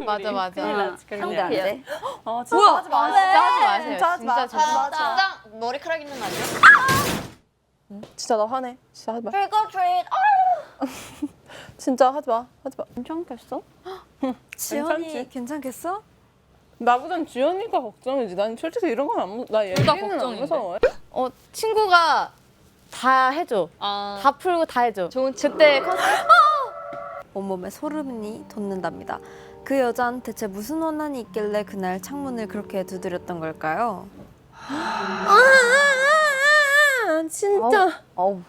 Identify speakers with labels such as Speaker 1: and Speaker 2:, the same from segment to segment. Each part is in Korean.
Speaker 1: 맞아 맞아.
Speaker 2: 상대 안 돼.
Speaker 1: 진짜 하지 마세요. 진짜 하지 마세요.
Speaker 2: 진짜 하지 마.
Speaker 1: 진짜 머리카락 있는 거 아니야?
Speaker 3: 진짜 나 화내. 진짜 하지 마.
Speaker 1: Trick or treat.
Speaker 3: 진짜 하지 마. 하지 마.
Speaker 2: 괜찮겠어?
Speaker 3: 지연이
Speaker 2: 괜찮겠어?
Speaker 3: 나보단 지연이가 걱정이지. 난 솔직히 이런 건 안 나 얘기는 안
Speaker 1: 걱정인데.
Speaker 3: 무서워.
Speaker 1: 친구가 다 해줘. 다 풀고 다 해줘. 그때 컨셉
Speaker 2: 온몸에 소름이 돋는답니다. 그 여잔 대체 무슨 원한이 있길래 그날 창문을 그렇게 두드렸던 걸까요?
Speaker 3: 진짜.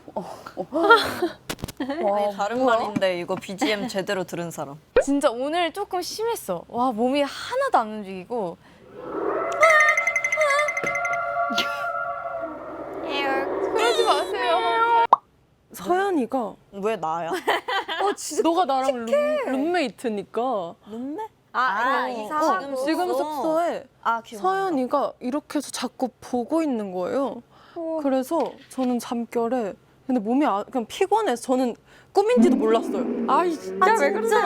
Speaker 4: 아니 다른 말인데 이거 BGM 제대로 들은 사람.
Speaker 1: 진짜 오늘 조금 심했어. 와 몸이 하나도 안 움직이고. 그러지 마세요.
Speaker 3: 서연이가
Speaker 4: 왜 나야?
Speaker 3: 너가 나랑 룸메이트니까
Speaker 4: 룸메?
Speaker 3: 지금 숙소에
Speaker 4: 아 기억.
Speaker 3: 서연이가 이렇게 해서 자꾸 보고 있는 거예요. 그래서 저는 잠결에 근데 몸이 그냥 피곤해서 저는 꿈인지도 몰랐어요. 아이 진짜 왜 그러세요?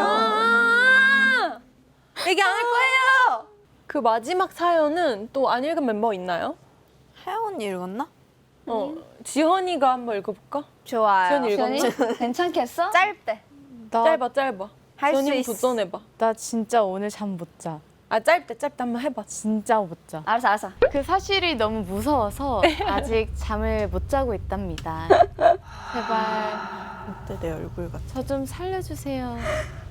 Speaker 3: 얘기 안 할 거예요. 그 마지막 사연은 또 안 읽은 멤버 있나요?
Speaker 4: 혜연 언니 읽었나?
Speaker 3: 지현이가 한번 읽어볼까?
Speaker 2: 좋아요.
Speaker 3: 지현이 읽었나?
Speaker 2: 괜찮겠어?
Speaker 1: 짧대.
Speaker 3: 짧아.
Speaker 2: 할 수
Speaker 3: 지현이
Speaker 2: 있어.
Speaker 3: 도전해봐.
Speaker 1: 나 진짜 오늘 잠 못 자.
Speaker 3: 아 짧대 한번 해봐.
Speaker 1: 진짜 못 자.
Speaker 2: 알았어.
Speaker 1: 그 사실이 너무 무서워서 아직 잠을 못 자고 있답니다. 제발
Speaker 4: 그때 내 얼굴 같아.
Speaker 1: 저 좀 살려주세요.